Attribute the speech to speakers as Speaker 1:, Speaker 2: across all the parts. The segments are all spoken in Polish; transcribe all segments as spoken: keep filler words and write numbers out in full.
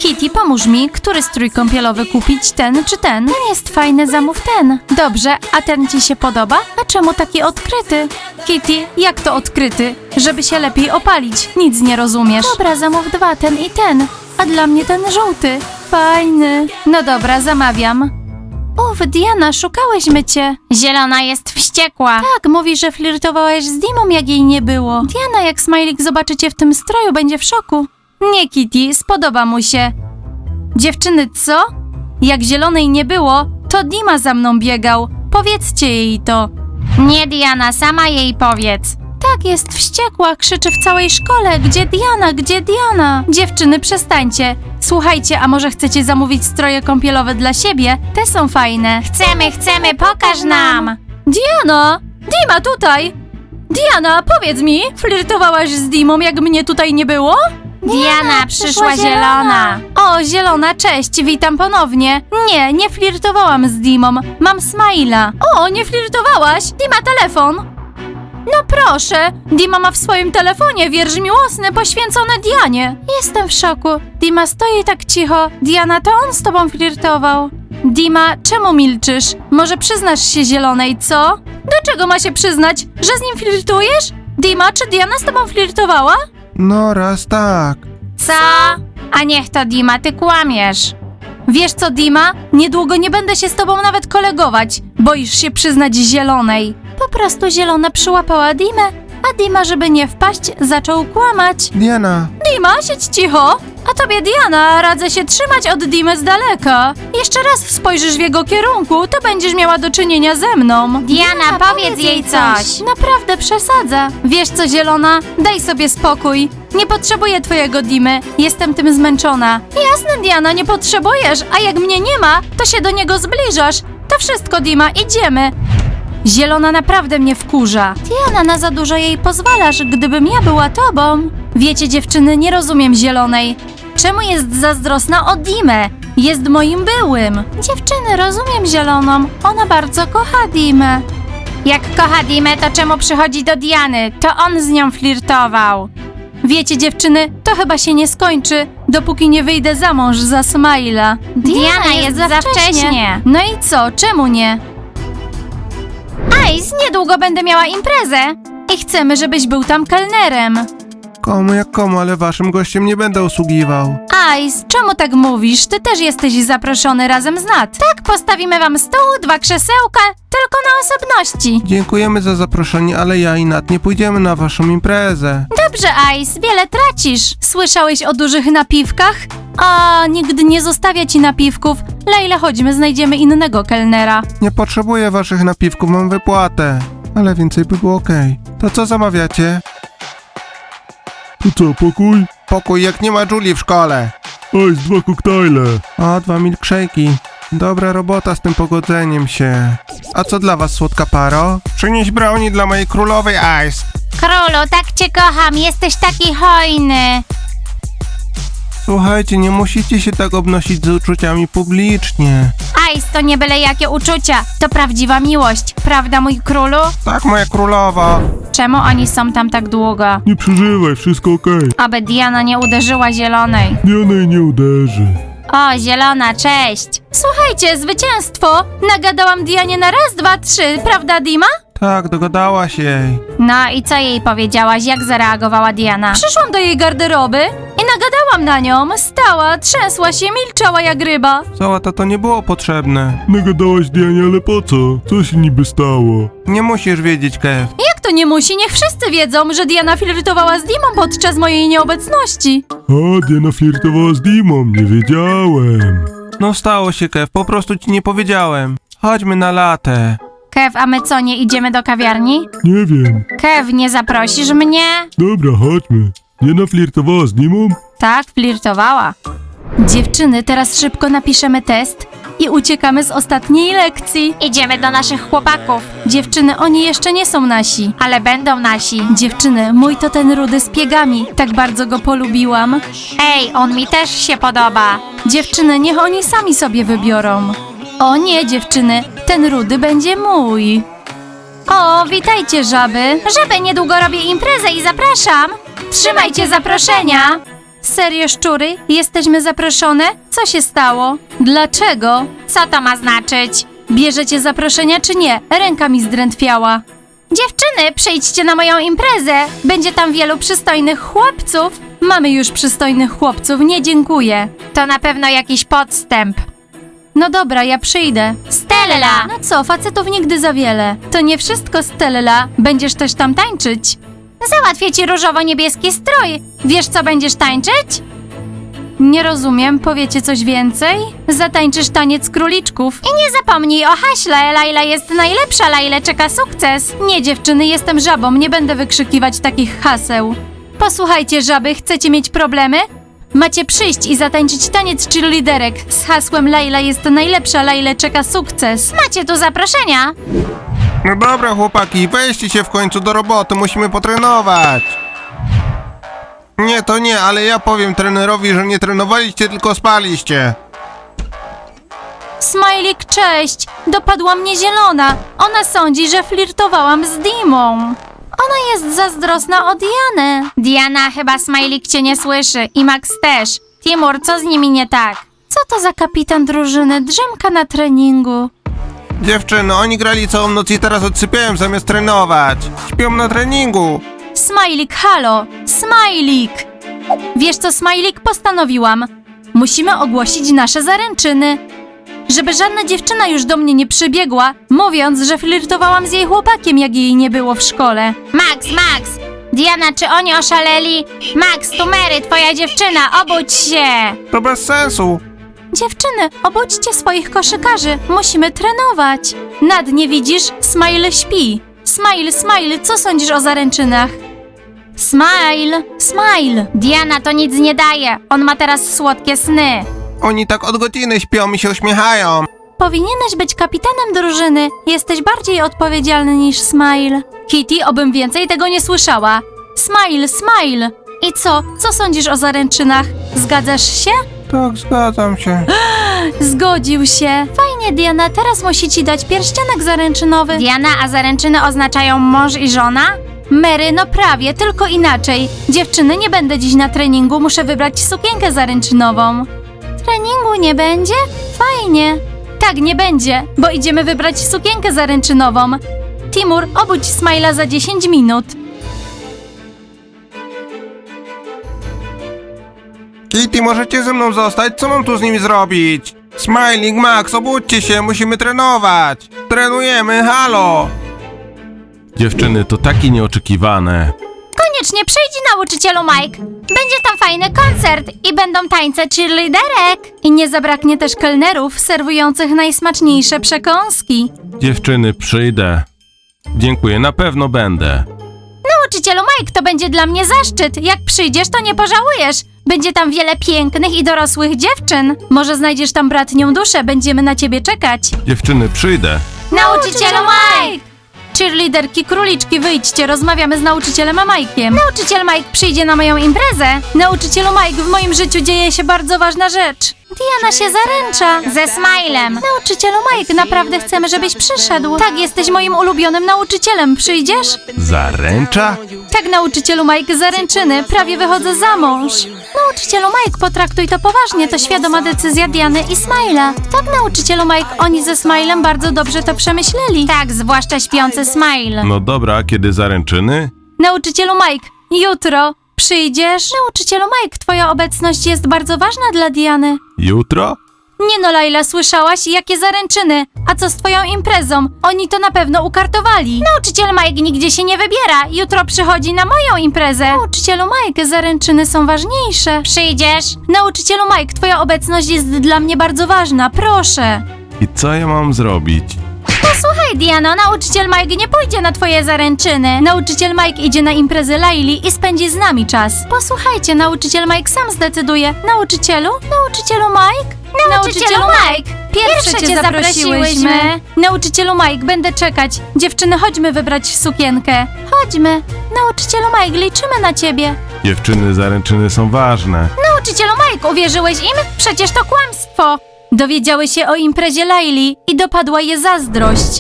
Speaker 1: Kitty, pomóż mi, który strój kąpielowy kupić, ten czy ten? Ten jest fajny, zamów ten. Dobrze, a ten ci się podoba? A czemu taki odkryty? Kitty, jak to odkryty? Żeby się lepiej opalić, nic nie rozumiesz. Dobra, zamów dwa, ten i ten. A dla mnie ten żółty. Fajny. No dobra, zamawiam. Uf, Diana, szukałyśmy cię. Zielona jest wściekła. Tak, mówi, że flirtowałeś z Dimą, jak jej nie było. Diana, jak Smajlik zobaczy cię w tym stroju, będzie w szoku. Nie, Kitty, spodoba mu się. Dziewczyny, co? Jak Zielonej nie było, to Dima za mną biegał. Powiedzcie jej to. Nie, Diana, sama jej powiedz. Tak, jest wściekła, krzyczy w całej szkole. Gdzie Diana, gdzie Diana? Dziewczyny, przestańcie. Słuchajcie, a może chcecie zamówić stroje kąpielowe dla siebie? Te są fajne. Chcemy, chcemy, pokaż nam. Diana! Dima, tutaj! Diana, powiedz mi, flirtowałaś z Dimą, jak mnie tutaj nie było? Diana, przyszła zielona. O, zielona, cześć, witam ponownie. Nie, nie flirtowałam z Dimą, mam Smajla. O, nie flirtowałaś? Dima, telefon. No proszę, Dima ma w swoim telefonie wiersz miłosny poświęcony Dianie. Jestem w szoku. Dima stoi tak cicho. Diana, to on z tobą flirtował. Dima, czemu milczysz? Może przyznasz się Zielonej, co? Do czego ma się przyznać? Że z nim flirtujesz? Dima, czy Diana z tobą flirtowała?
Speaker 2: No raz tak.
Speaker 1: Co? A niech to Dima, ty kłamiesz. Wiesz co, Dima? Niedługo nie będę się z tobą nawet kolegować. Boisz się przyznać Zielonej. Po prostu Zielona przyłapała Dimę, a Dima, żeby nie wpaść, zaczął kłamać.
Speaker 2: Diana,
Speaker 1: Dima, siedź cicho. A tobie, Diana, radzę się trzymać od Dimy z daleka. Jeszcze raz spojrzysz w jego kierunku, to będziesz miała do czynienia ze mną. Diana, powiedz jej coś. Naprawdę przesadza. Wiesz co, Zielona? Daj sobie spokój. Nie potrzebuję twojego Dimy. Jestem tym zmęczona. Jasne, Diana, nie potrzebujesz, a jak mnie nie ma, to się do niego zbliżasz. To wszystko, Dima, idziemy. Zielona naprawdę mnie wkurza. Diana, na za dużo jej pozwalasz, gdybym ja była tobą. Wiecie, dziewczyny, nie rozumiem Zielonej. Czemu jest zazdrosna o Dimę? Jest moim byłym. Dziewczyny, rozumiem Zieloną. Ona bardzo kocha Dimę. Jak kocha Dimę, to czemu przychodzi do Diany? To on z nią flirtował. Wiecie, dziewczyny, to chyba się nie skończy, dopóki nie wyjdę za mąż za Smajla. Diana, jest za wcześnie. No i co? Czemu nie? Ice, niedługo będę miała imprezę i chcemy, żebyś był tam kelnerem.
Speaker 2: komu jak komu, ale waszym gościem nie będę usługiwał.
Speaker 1: Ice, czemu tak mówisz? Ty też jesteś zaproszony razem z Nat. Tak, postawimy wam stół, dwa krzesełka, tylko na osobności.
Speaker 2: Dziękujemy za zaproszenie, ale ja i Nat nie pójdziemy na waszą imprezę.
Speaker 1: Dobrze, Ice, wiele tracisz. Słyszałeś o dużych napiwkach? A, nigdy nie zostawia ci napiwków. Lejla, chodźmy, znajdziemy innego kelnera.
Speaker 2: Nie potrzebuję waszych napiwków, mam wypłatę. Ale więcej by było okej. To co zamawiacie?
Speaker 3: To co, pokój?
Speaker 2: Pokój, jak nie ma Julii w szkole.
Speaker 3: Ice, dwa koktajle.
Speaker 2: O, dwa milkshake'i. Dobra robota z tym pogodzeniem się. A co dla was, słodka paro? Przynieś brownie dla mojej królowej, Ice.
Speaker 1: Królu, tak cię kocham, jesteś taki hojny.
Speaker 2: Słuchajcie, nie musicie się tak obnosić z uczuciami publicznie.
Speaker 1: Ice, to nie byle jakie uczucia, to prawdziwa miłość, prawda, mój królu?
Speaker 2: Tak, moja królowa.
Speaker 1: Czemu oni są tam tak długo?
Speaker 3: Nie przeżywaj, wszystko okej.
Speaker 1: Aby Diana nie uderzyła Zielonej.
Speaker 3: Diana jej nie uderzy.
Speaker 1: O, Zielona, cześć. Słuchajcie, zwycięstwo! Nagadałam Dianie na raz, dwa, trzy, prawda, Dima?
Speaker 2: Tak, dogadałaś jej.
Speaker 1: No i co jej powiedziałaś, jak zareagowała Diana? Przyszłam do jej garderoby i nagadałam na nią. Stała, trzęsła się, milczała jak ryba.
Speaker 2: Załata to nie było potrzebne.
Speaker 3: Nagadałaś Dianie, ale po co? Co się niby stało?
Speaker 2: Nie musisz wiedzieć, Kev.
Speaker 1: Jak to nie musi? Niech wszyscy wiedzą, że Diana flirtowała z Dimą podczas mojej nieobecności.
Speaker 3: A, Diana flirtowała z Dimą, nie wiedziałem.
Speaker 2: No stało się, Kev, po prostu ci nie powiedziałem. Chodźmy na latę.
Speaker 1: Kev, a my co, nie idziemy do kawiarni?
Speaker 3: Nie wiem.
Speaker 1: Kev, nie zaprosisz mnie?
Speaker 3: Dobra, chodźmy. Diana flirtowała z Dimą?
Speaker 1: Tak, flirtowała. Dziewczyny, teraz szybko napiszemy test i uciekamy z ostatniej lekcji. Idziemy do naszych chłopaków. Dziewczyny, oni jeszcze nie są nasi. Ale będą nasi. Dziewczyny, mój to ten rudy z piegami. Tak bardzo go polubiłam. Ej, on mi też się podoba. Dziewczyny, niech oni sami sobie wybiorą. O nie, dziewczyny, ten rudy będzie mój. O, witajcie, żaby. Żaby, niedługo robię imprezę i zapraszam. Trzymajcie zaproszenia. Serio, szczury? Jesteśmy zaproszone? Co się stało? Dlaczego? Co to ma znaczyć? Bierzecie zaproszenia czy nie? Ręka mi zdrętwiała. Dziewczyny, przyjdźcie na moją imprezę. Będzie tam wielu przystojnych chłopców. Mamy już przystojnych chłopców, nie dziękuję. To na pewno jakiś podstęp. No dobra, ja przyjdę. Stella! No co, facetów nigdy za wiele. To nie wszystko, Stella. Będziesz też tam tańczyć. Załatwię ci różowo-niebieski strój. Wiesz, co będziesz tańczyć? Nie rozumiem, powiecie coś więcej? Zatańczysz taniec króliczków. I nie zapomnij o haśle, Laila jest najlepsza, Laila czeka sukces. Nie dziewczyny, jestem żabą, nie będę wykrzykiwać takich haseł. Posłuchajcie żaby, chcecie mieć problemy? Macie przyjść i zatańczyć taniec cheerleaderek z hasłem Laila jest najlepsza, Laila czeka sukces. Macie tu zaproszenia.
Speaker 2: No dobra, chłopaki, weźcie się w końcu do roboty, musimy potrenować. Nie, to nie, ale ja powiem trenerowi, że nie trenowaliście, tylko spaliście.
Speaker 1: Smajlik, cześć! Dopadła mnie zielona. Ona sądzi, że flirtowałam z Dimą. Ona jest zazdrosna o Dianę. Diana, chyba Smajlik cię nie słyszy i Max też. Timur, co z nimi nie tak? Co to za kapitan drużyny? Drzemka na treningu.
Speaker 2: Dziewczyny, oni grali całą noc i teraz odsypiają zamiast trenować. Śpią na treningu.
Speaker 1: Smajlik, halo! Smajlik! Wiesz co, Smajlik, postanowiłam. Musimy ogłosić nasze zaręczyny. Żeby żadna dziewczyna już do mnie nie przybiegła, mówiąc, że flirtowałam z jej chłopakiem, jak jej nie było w szkole. Max, Max! Diana, czy oni oszaleli? Max, tu Mary, twoja dziewczyna, obudź się!
Speaker 2: To bez sensu.
Speaker 1: Dziewczyny, obudźcie swoich koszykarzy, musimy trenować. Nad nie widzisz? Smile śpi. Smile, Smile, co sądzisz o zaręczynach? Smile, Smile. Diana, to nic nie daje, on ma teraz słodkie sny.
Speaker 2: Oni tak od godziny śpią i się uśmiechają.
Speaker 1: Powinieneś być kapitanem drużyny. Jesteś bardziej odpowiedzialny niż Smile. Kitty, obym więcej tego nie słyszała. Smile, Smile. I co? Co sądzisz o zaręczynach? Zgadzasz się?
Speaker 2: Tak, zgadzam się.
Speaker 1: Zgodził się. Fajnie, Diana, teraz musi ci dać pierścionek zaręczynowy. Diana, a zaręczyny oznaczają mąż i żona? Mary, no prawie, tylko inaczej. Dziewczyny, nie będę dziś na treningu, muszę wybrać sukienkę zaręczynową. Treningu nie będzie? Fajnie. Tak, nie będzie, bo idziemy wybrać sukienkę zaręczynową. Timur, obudź Smajla za dziesięć minut.
Speaker 2: Kitty, możecie ze mną zostać? Co mam tu z nimi zrobić? Smiling, Max, obudźcie się, musimy trenować. Trenujemy, halo.
Speaker 3: Dziewczyny, to takie nieoczekiwane.
Speaker 1: Koniecznie przyjdź, nauczycielu Mike. Będzie tam fajny koncert i będą tańce cheerleaderek. I nie zabraknie też kelnerów serwujących najsmaczniejsze przekąski.
Speaker 3: Dziewczyny, przyjdę. Dziękuję, na pewno będę.
Speaker 1: Nauczycielu Mike, to będzie dla mnie zaszczyt. Jak przyjdziesz, to nie pożałujesz. Będzie tam wiele pięknych i dorosłych dziewczyn. Może znajdziesz tam bratnią duszę, będziemy na ciebie czekać.
Speaker 3: Dziewczyny, przyjdę.
Speaker 1: Nauczycielu Mike! Cheerleaderki, króliczki, wyjdźcie, rozmawiamy z nauczycielem Mike'iem. Nauczyciel Mike przyjdzie na moją imprezę. Nauczycielu Mike, w moim życiu dzieje się bardzo ważna rzecz. Diana się zaręcza. Ze Smilem. Nauczycielu Mike, naprawdę chcemy, żebyś przyszedł. Tak, jesteś moim ulubionym nauczycielem. Przyjdziesz?
Speaker 3: Zaręcza?
Speaker 1: Tak, nauczycielu Mike, zaręczyny. Prawie wychodzę za mąż. Nauczycielu Mike, potraktuj to poważnie. To świadoma decyzja Diany i Smila. Tak, nauczycielu Mike, oni ze Smilem bardzo dobrze to przemyśleli. Tak, zwłaszcza śpiący Smile.
Speaker 3: No dobra, kiedy zaręczyny?
Speaker 1: Nauczycielu Mike, jutro przyjdziesz? Nauczycielu Mike, twoja obecność jest bardzo ważna dla Diany.
Speaker 3: Jutro?
Speaker 1: Nie no, Laila, słyszałaś? Jakie zaręczyny? A co z twoją imprezą? Oni to na pewno ukartowali. Nauczyciel Mike nigdzie się nie wybiera. Jutro przychodzi na moją imprezę. Nauczycielu Mike, zaręczyny są ważniejsze. Przyjdziesz? Nauczycielu Mike, twoja obecność jest dla mnie bardzo ważna. Proszę.
Speaker 3: I co ja mam zrobić?
Speaker 1: Posłuchaj, Diano, nauczyciel Mike nie pójdzie na twoje zaręczyny. Nauczyciel Mike idzie na imprezę Laili i spędzi z nami czas. Posłuchajcie, nauczyciel Mike sam zdecyduje. Nauczycielu? Nauczycielu Mike? Nauczycielu Mike! Pierwsze cię zaprosiłyśmy. Nauczycielu Mike, będę czekać. Dziewczyny, chodźmy wybrać sukienkę. Chodźmy. Nauczycielu Mike, liczymy na ciebie.
Speaker 3: Dziewczyny, zaręczyny są ważne.
Speaker 1: Nauczycielu Mike, uwierzyłeś im? Przecież to kłamstwo. Dowiedziały się o imprezie Laili i dopadła je zazdrość.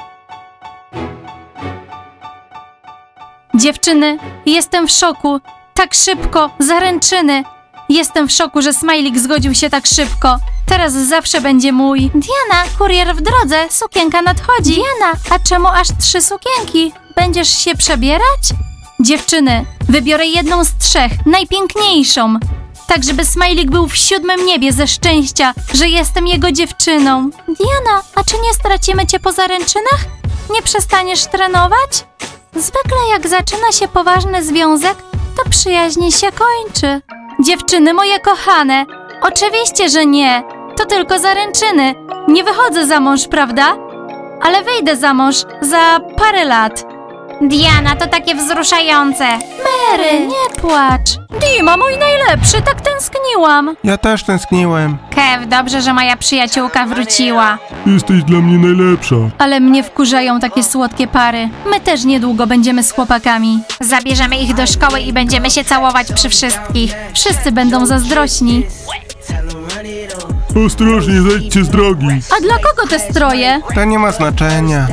Speaker 1: Dziewczyny, jestem w szoku. Tak szybko, zaręczyny. Jestem w szoku, że Smajlik zgodził się tak szybko. Teraz zawsze będzie mój. Diana, kurier w drodze, sukienka nadchodzi. Diana, a czemu aż trzy sukienki? Będziesz się przebierać? Dziewczyny, wybiorę jedną z trzech, najpiękniejszą. Tak, żeby Smajlik był w siódmym niebie ze szczęścia, że jestem jego dziewczyną. Diana, a czy nie stracimy cię po zaręczynach? Nie przestaniesz trenować? Zwykle jak zaczyna się poważny związek, to przyjaźń się kończy. Dziewczyny moje kochane, oczywiście, że nie. To tylko zaręczyny. Nie wychodzę za mąż, prawda? Ale wyjdę za mąż za parę lat. Diana, to takie wzruszające. Mary, nie płacz. Dima, mój najlepszy, tak tęskniłam.
Speaker 2: Ja też tęskniłem.
Speaker 1: Kev, dobrze, że moja przyjaciółka wróciła.
Speaker 3: Jesteś dla mnie najlepsza.
Speaker 1: Ale mnie wkurzają takie słodkie pary. My też niedługo będziemy z chłopakami. Zabierzemy ich do szkoły i będziemy się całować przy wszystkich. Wszyscy będą zazdrośni.
Speaker 3: Ostrożnie, zejdźcie z drogi.
Speaker 1: A dla kogo te stroje?
Speaker 2: To nie ma znaczenia.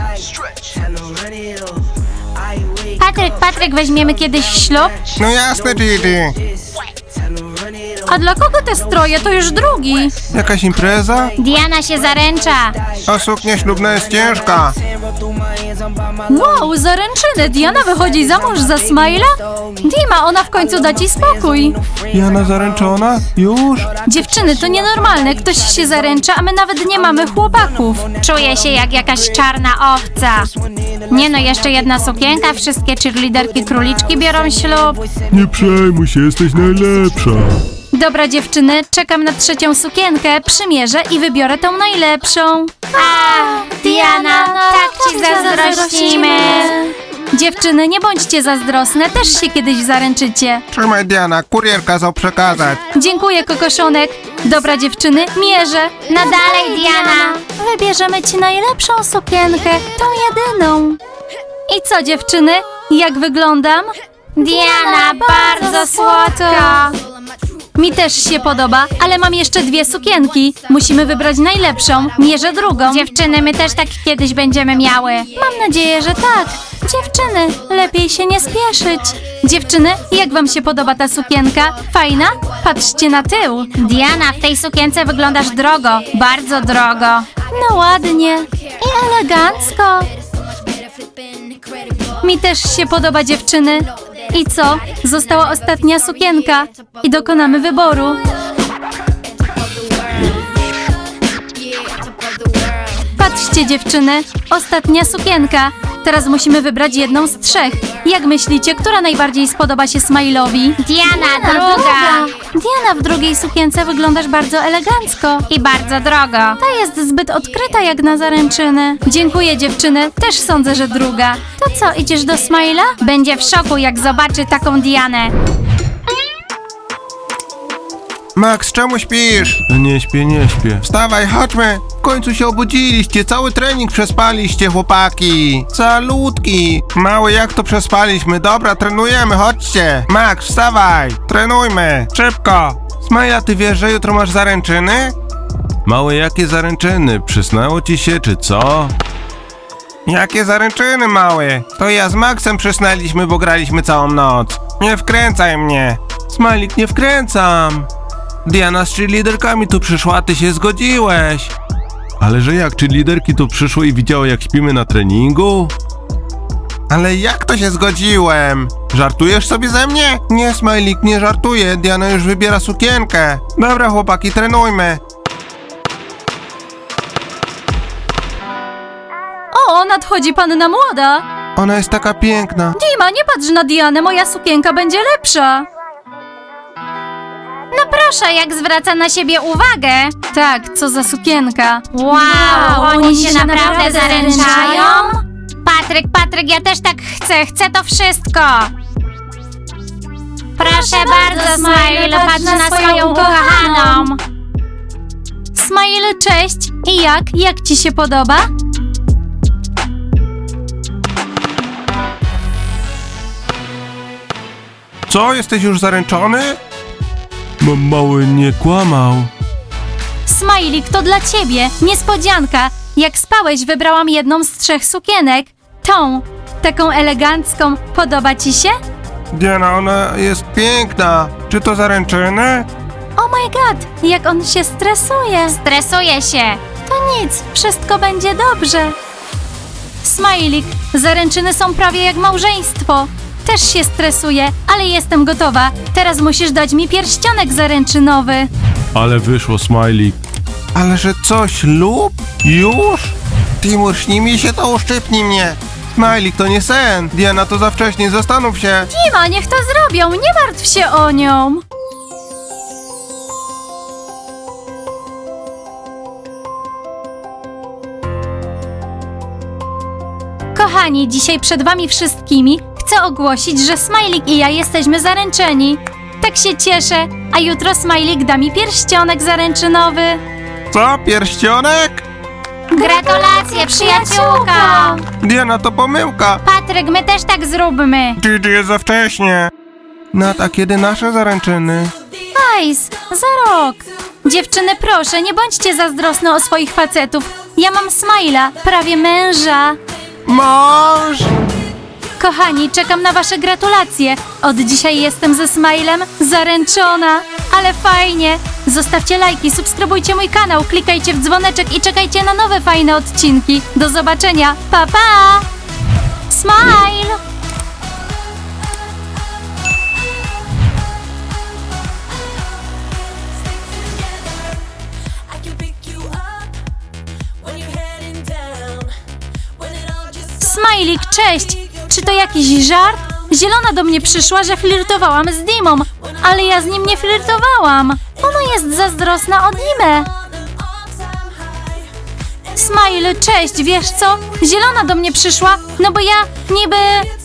Speaker 1: Patryk, Patryk, weźmiemy kiedyś ślub?
Speaker 2: No jasne, Gigi.
Speaker 1: A dla kogo te stroje? To już drugi.
Speaker 2: Jakaś impreza?
Speaker 1: Diana się zaręcza.
Speaker 2: A suknia ślubna jest ciężka.
Speaker 1: Wow, zaręczyny. Diana wychodzi za mąż za Smajla? Dima, ona w końcu da ci spokój.
Speaker 2: Jana zaręczona? Już?
Speaker 1: Dziewczyny, to nienormalne. Ktoś się zaręcza, a my nawet nie mamy chłopaków. Czuję się jak jakaś czarna owca. Nie no, jeszcze jedna sukienka, wszystkie cheerleaderki króliczki biorą ślub.
Speaker 3: Nie przejmuj się, jesteś najlepsza.
Speaker 1: Dobra dziewczyny, czekam na trzecią sukienkę, przymierzę i wybiorę tą najlepszą. A, Diana, tak ci zazdrościmy. Dziewczyny, nie bądźcie zazdrosne, też się kiedyś zaręczycie.
Speaker 2: Trzymaj, Diana, kurier kazał przekazać.
Speaker 1: Dziękuję, kokoszonek. Dobra dziewczyny, mierzę. No dalej, Diana. Wybierzemy ci najlepszą sukienkę, tą jedyną. I co dziewczyny, jak wyglądam? Diana, bardzo słodko. Mi też się podoba, ale mam jeszcze dwie sukienki. Musimy wybrać najlepszą, mierzę drugą. Dziewczyny, my też tak kiedyś będziemy miały. Mam nadzieję, że tak. Dziewczyny, lepiej się nie spieszyć. Dziewczyny, jak wam się podoba ta sukienka? Fajna? Patrzcie na tył. Diana, w tej sukience wyglądasz drogo, bardzo drogo. No ładnie i elegancko. Mi też się podoba, dziewczyny. I co? Została ostatnia sukienka i dokonamy wyboru. Patrzcie, dziewczyny, ostatnia sukienka. Teraz musimy wybrać jedną z trzech. Jak myślicie, która najbardziej spodoba się Smile'owi? Diana, druga. Diana, w drugiej sukience wyglądasz bardzo elegancko. I bardzo drogo. Ta jest zbyt odkryta jak na zaręczyny. Dziękuję, dziewczyny. Też sądzę, że druga. To co, idziesz do Smile'a? Będzie w szoku, jak zobaczy taką Dianę.
Speaker 2: Max, czemu śpisz?
Speaker 3: Nie śpię, nie śpię.
Speaker 2: Wstawaj, chodźmy. W końcu się obudziliście, cały trening przespaliście, chłopaki. Calutki. Mały, jak to przespaliśmy? Dobra, trenujemy, chodźcie. Max, wstawaj. Trenujmy. Szybko. Smaja, ty wiesz, że jutro masz zaręczyny?
Speaker 3: Małe, jakie zaręczyny? Przysnęło ci się, czy co?
Speaker 2: Jakie zaręczyny, mały? To ja z Maxem przysnęliśmy, bo graliśmy całą noc. Nie wkręcaj mnie.
Speaker 3: Smajlik, nie wkręcam.
Speaker 2: Diana z cheerleaderkami tu przyszła, a ty się zgodziłeś.
Speaker 3: Ale że jak, czy liderki tu przyszły i widziały, jak śpimy na treningu?
Speaker 2: Ale jak to się zgodziłem? Żartujesz sobie ze mnie? Nie, Smajlik, nie żartuję. Diana już wybiera sukienkę. Dobra, chłopaki, trenujmy.
Speaker 1: O, nadchodzi panna młoda.
Speaker 2: Ona jest taka piękna.
Speaker 1: Dima, nie patrz na Dianę, moja sukienka będzie lepsza. No proszę, jak zwraca na siebie uwagę. Tak, co za sukienka. Wow, oni, oni się naprawdę zaręczają? Patryk, Patryk, ja też tak chcę, chcę to wszystko. Proszę bardzo, Smile, patrz na swoją ukochaną. Smile, cześć. I jak? Jak ci się podoba?
Speaker 2: Co, jesteś już zaręczony?
Speaker 3: Mam mały nie kłamał.
Speaker 1: Smajlik, to dla ciebie. Niespodzianka. Jak spałeś, wybrałam jedną z trzech sukienek. Tą, taką elegancką. Podoba ci się?
Speaker 2: Diana, ona jest piękna. Czy to zaręczyny?
Speaker 1: Oh my god, jak on się stresuje.
Speaker 4: Stresuję się.
Speaker 1: To nic, wszystko będzie dobrze. Smajlik, zaręczyny są prawie jak małżeństwo. Też się stresuję, ale jestem gotowa. Teraz musisz dać mi pierścionek zaręczynowy.
Speaker 3: Ale wyszło, Smajlik.
Speaker 2: Ale że co, ślub? Już? Timur, śni mi się, to uszczypnij mnie. Smajlik, to nie sen. Diana, to za wcześnie, zastanów się.
Speaker 1: Dima, niech to zrobią, nie martw się o nią. Kochani, dzisiaj przed wami wszystkimi chcę ogłosić, że Smajlik i ja jesteśmy zaręczeni. Tak się cieszę, a jutro Smajlik da mi pierścionek zaręczynowy.
Speaker 2: Co, pierścionek?
Speaker 4: Gratulacje, przyjaciółko!
Speaker 2: Diana, to pomyłka.
Speaker 4: Patryk, my też tak zróbmy.
Speaker 2: Gigi, jest za wcześnie. Nat, a kiedy nasze zaręczyny?
Speaker 1: Ice, za rok. Dziewczyny, proszę, nie bądźcie zazdrosne o swoich facetów. Ja mam Smajla, prawie męża.
Speaker 2: Mąż!
Speaker 1: Kochani, czekam na wasze gratulacje. Od dzisiaj jestem ze Smilem zaręczona. Ale fajnie. Zostawcie lajki, subskrybujcie mój kanał, klikajcie w dzwoneczek i czekajcie na nowe fajne odcinki. Do zobaczenia. Pa, pa! Smile!
Speaker 5: I can pick you up when you're heading down. When it all just
Speaker 1: Smajlik, cześć! Czy to jakiś żart? Zielona do mnie przyszła, że flirtowałam z Dimą, ale ja z nim nie flirtowałam. Ona jest zazdrosna o Dimę.
Speaker 5: on an all-time high.
Speaker 1: Smile, cześć, wiesz co? Zielona do mnie przyszła, no bo ja niby